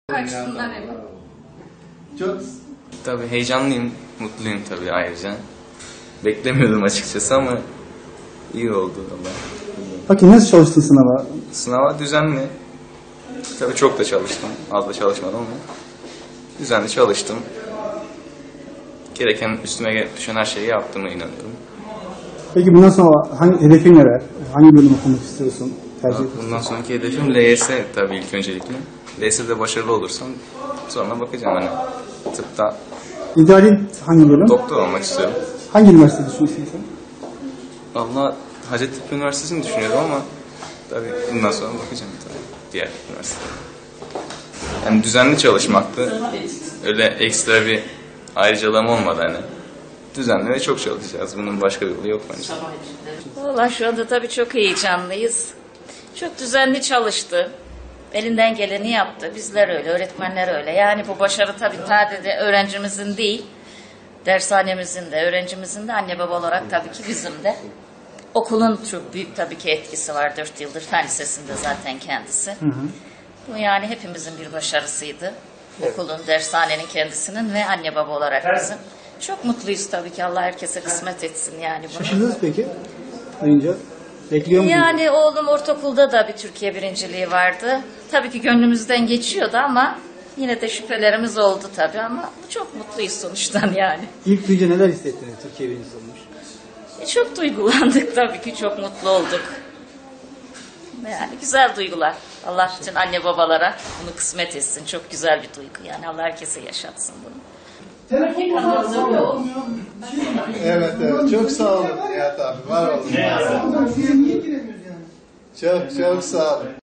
Açısından evet. Çok Tabii heyecanlıyım, mutluyum tabii ayrıca. Beklemiyordum açıkçası ama iyi oldu ama. Peki nasıl çalıştın sınava? Sınava düzenli. Tabii çok da çalıştım. Az da çalışmadım ama düzenli çalıştım. Gereken üstüme düşen her şeyi yaptığıma inanıyorum. Peki bundan sonra hedefin neler? Hangi bölüm okumak istiyorsun? Tercih ediyorsun? Bundan sonraki hedefim LYS tabii ilk öncelikle. LYS'de başarılı olursam sonra bakacağım hani tıpta İdealin hangi bölüm? doktor olmak istiyorum. Hangi üniversite düşünüyorsun sen? Allah Hacettepe Üniversitesi'ni düşünüyorum ama tabii bundan sonra bakacağım tabii diğer üniversitelere. Yani düzenli çalışmaktı. Öyle ekstra bir ayrıcalığım olmadı hani. Düzenli ve çok çalışacağız. Bunun başka bir yolu yok bence. Valla şu anda tabii çok heyecanlıyız. Çok düzenli çalıştı. Elinden geleni yaptı. Bizler öyle, öğretmenler öyle. Yani bu başarı tabii sadece öğrencimizin değil, dershanemizin de, öğrencimizin de, anne baba olarak tabii ki bizim de. Okulun çok büyük tabii ki etkisi var. 4 yıldır fen lisesinde zaten kendisi. Bu yani hepimizin bir başarısıydı. Okulun, dershanenin kendisinin ve anne baba olarak bizim. Çok mutluyuz tabii ki. Allah herkese kısmet etsin yani bunu. Şaşırdınız peki? Duyunca. Bekliyor muydunuz? Yani oğlum ortaokulda da bir Türkiye birinciliği vardı. Tabii ki gönlümüzden geçiyordu ama yine de şüphelerimiz oldu tabii ama çok mutluyuz sonuçtan yani. İlk duyunca neler hissettiniz? Türkiye birincisi olmuş. Çok duygulandık tabii ki, çok mutlu olduk. Yani güzel duygular. Allah bütün anne babalara bunu kısmet etsin. Çok güzel bir duygu yani. Allah herkese yaşatsın bunu. Evet evet, çok sağ olun Nihat abi, var olun. Çok çok sağ olun.